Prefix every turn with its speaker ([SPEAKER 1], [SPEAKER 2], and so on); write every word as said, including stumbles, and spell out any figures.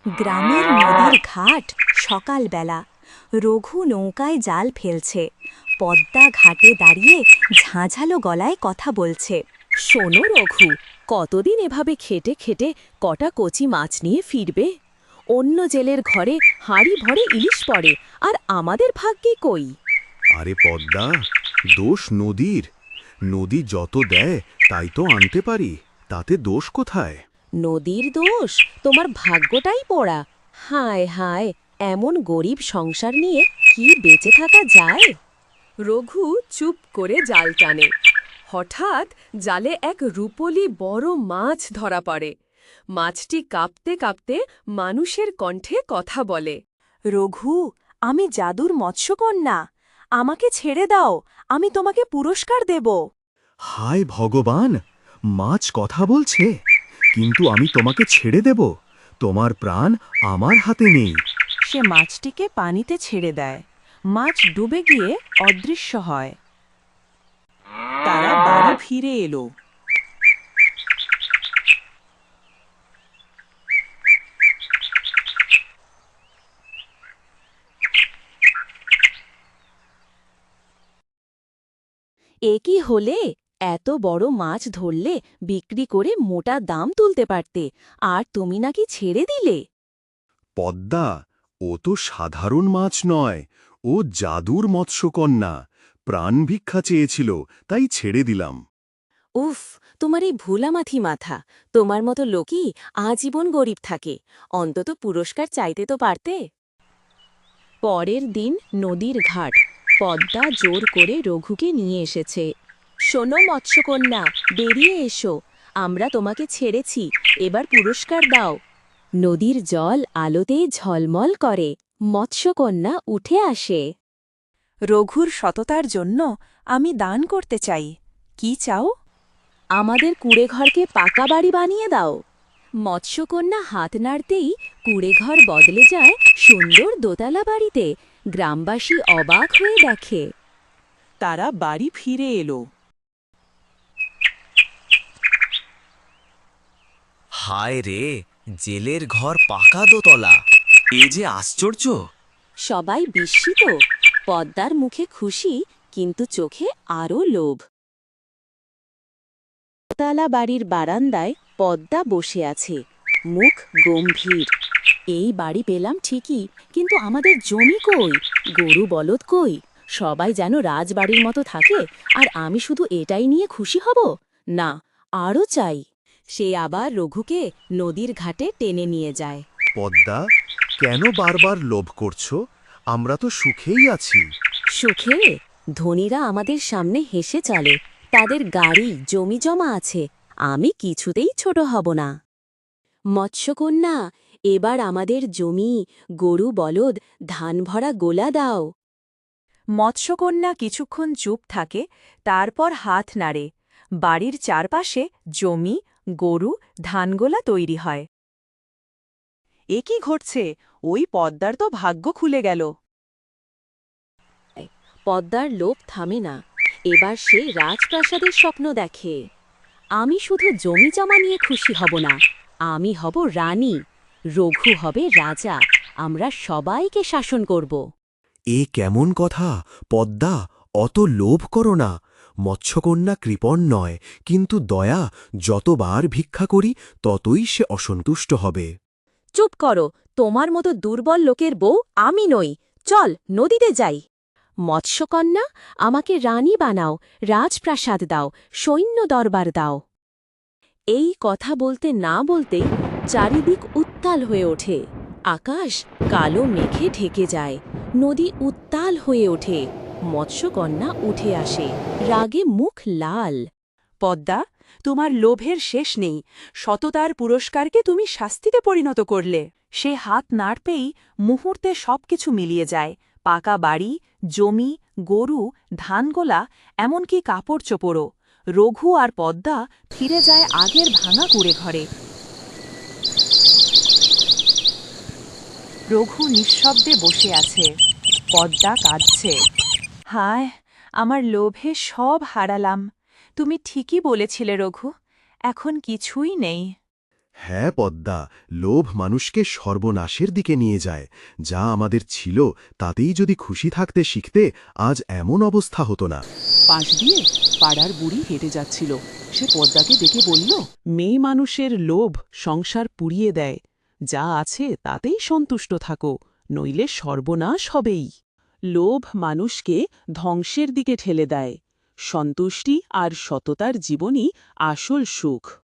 [SPEAKER 1] গ্রামের নদীর ঘাট সকালবেলা। রঘু নৌকায় জাল ফেলছে, পদ্মা ঘাটে দাঁড়িয়ে ঝাঁঝালো গলায় কথা বলছে।
[SPEAKER 2] শোনো রঘু, কতদিন এভাবে খেটে খেটে কটা কচি মাছ নিয়ে ফিরবে? অন্য জেলের ঘরে হাঁড়ি ভরে ইলিশ পড়ে, আর আমাদের ভাগ্যে কই?
[SPEAKER 3] আরে পদ্মা, দোষ নদীর। নদী যত দেয় তাই তো আনতে পারি, তাতে দোষ কোথায়?
[SPEAKER 2] নদীর দোষ? তোমার ভাগ্যটাই পোড়া। হায় হায়, এমন গরিব সংসার নিয়ে কি বেঁচে থাকা যায়?
[SPEAKER 4] রঘু চুপ করে জাল টানে। হঠাৎ জালে এক রূপলি বড় মাছ ধরা পড়ে। মাছটি কাঁপতে কাঁপতে মানুষের কণ্ঠে কথা বলে।
[SPEAKER 1] রঘু, আমি জাদুর মৎস্যকন্যা, আমাকে ছেড়ে দাও, আমি তোমাকে পুরস্কার দেব।
[SPEAKER 3] হায় ভগবান, মাছ কথা বলছে, কিন্তু আমি তোমাকে ছেড়ে দেব? তোমার প্রাণ আমার হাতে নেই।
[SPEAKER 1] সে মাছটিকে পানিতে ছেড়ে দেয়। মাছ ডুবে গিয়ে অদৃশ্য হয়। তারা বাড়ি ফিরে এলো।
[SPEAKER 2] এ কি হলে? এত বড় মাছ ধরলে বিক্রি করে মোটা দাম তুলতে পারতে, আর তুমি নাকি ছেড়ে দিলে?
[SPEAKER 3] পদ্মা, ও তো সাধারণ মাছ নয়, ও জাদুর মৎস্যকন্যা। প্রাণ ভিক্ষা চেয়েছিল, তাই ছেড়ে দিলাম।
[SPEAKER 2] উফ, তোমার এই ভুলামাথি মাথা। তোমার মতো লোকই আজীবন গরিব থাকে, অন্তত পুরস্কার চাইতে তো পারতে। পরের দিন নদীর ঘাট। পদ্মা জোর করে রঘুকে নিয়ে এসেছে। শোনো মৎস্যকন্যা, বেরিয়ে এসো, আমরা তোমাকে ছেড়েছি, এবার পুরস্কার দাও। নদীর জল আলোতে ঝলমল করে। মৎস্যকন্যা উঠে আসে।
[SPEAKER 1] রঘুর সততার জন্য আমি দান করতে চাই। কি চাও?
[SPEAKER 2] আমাদের কুড়েঘরকে পাকা বাড়ি বানিয়ে দাও। মৎস্যকন্যা হাত নাড়তেই কুড়েঘর বদলে যায় সুন্দর দোতলা বাড়িতে। গ্রামবাসী অবাক হয়ে দেখে।
[SPEAKER 1] তারা বাড়ি ফিরে এলো।
[SPEAKER 5] হায় রে, জেলের ঘর পাকা দোতলা, এ যে আশ্চর্য!
[SPEAKER 2] সবাই বিস্মিত। পদ্মার মুখে খুশি, কিন্তু চোখে আরও লোভ। দোতলা বাড়ির বারান্দায় পদ্মা বসে আছে, মুখ গম্ভীর। এই বাড়ি পেলাম ঠিকই, কিন্তু আমাদের জমি কই? গরু বলদ কই? সবাই যেন রাজবাড়ির মতো থাকে, আর আমি শুধু এটাই নিয়ে খুশি হব? না, আরও চাই। সে আবার রঘুকে নদীর ঘাটে টেনে নিয়ে যায়।
[SPEAKER 3] পদ্মা, কেন বারবার লোভ করছো? আমরা তো সুখেই আছি।
[SPEAKER 2] সুখে? ধনীরা আমাদের সামনে হেসে চলে, তাদের গাড়ি জমি জমা আছে, আমি কিছুতেই ছোট হব না। মৎস্যকন্যা, এবার আমাদের জমি, গরু বলদ, ধান ভরা গোলা দাও।
[SPEAKER 1] মৎস্যকন্যা কিছুক্ষণ চুপ থাকে, তারপর হাত নাড়ে। বাড়ির চারপাশে জমি, গরু, ধানগোলা তৈরি হয়। এ কি ঘটছে? ওই পদ্মার তো ভাগ্য খুলে গেল।
[SPEAKER 2] পদ্মার লোভ থামে না, এবার সে রাজপ্রাসাদের স্বপ্ন দেখে। আমি শুধু জমি জমা নিয়ে খুশি হব না, আমি হব রানী, রঘু হবে রাজা, আমরা সবাইকে শাসন করব।
[SPEAKER 3] এ কেমন কথা পদ্মা, অত লোভ করো না। মৎস্যকন্যা কৃপণ নয়, কিন্তু দয়া, যতবার ভিক্ষা করি ততই সে অসন্তুষ্ট হবে।
[SPEAKER 2] চুপ করো, তোমার মতো দুর্বল লোকের বউ আমি নই। চল নদীতে যাই। মৎস্যকন্যা, আমাকে রানী বানাও, রাজপ্রাসাদ দাও, সৈন্য দরবার দাও। এই কথা বলতে না বলতেই চারিদিক উত্তাল হয়ে ওঠে। আকাশ কালো মেঘে ঢেকে যায়, নদী উত্তাল হয়ে ওঠে। মৎস্যকন্যা উঠে আসে, রাগে মুখ লাল।
[SPEAKER 1] পদ্মা, তোমার লোভের শেষ নেই। সততার পুরস্কারকে তুমি শাস্তিতে পরিণত করলে। সে হাত নাড়পেই মুহূর্তে সবকিছু মিলিয়ে যায়। পাকা বাড়ি, জমি, গরু, ধানগোলা, এমনকি কাপড় চোপড়ও। রঘু আর পদ্মা ফিরে যায় আগের ভাঙা কুড়ে ঘরে। রঘু নিঃশব্দে বসে আছে, পদ্মা কাঁদছে। হায়, আমার লোভে সব হারালাম। তুমি ঠিকই বলেছিলে রঘু, এখন কিছুই নেই।
[SPEAKER 3] হ্যাঁ পদ্মা, লোভ মানুষকে সর্বনাশের দিকে নিয়ে যায়। যা আমাদের ছিল তাতেই যদি খুশি থাকতে শিখতে আজ এমন অবস্থা হতো না।
[SPEAKER 6] পাশ দিয়ে পাড়ার বুড়ি হেঁটে যাচ্ছিল। সে পদ্মাকে ডেকে বলল, মেয়ে মানুষের লোভ সংসার পুড়িয়ে দেয়। যা আছে তাতেই সন্তুষ্ট থাকো, নইলে সর্বনাশ হবেই। লোভ মানুষকে ধ্বংসের দিকে ঠেলে দেয়। সন্তুষ্টি আর সততার জীবনই আসল সুখ।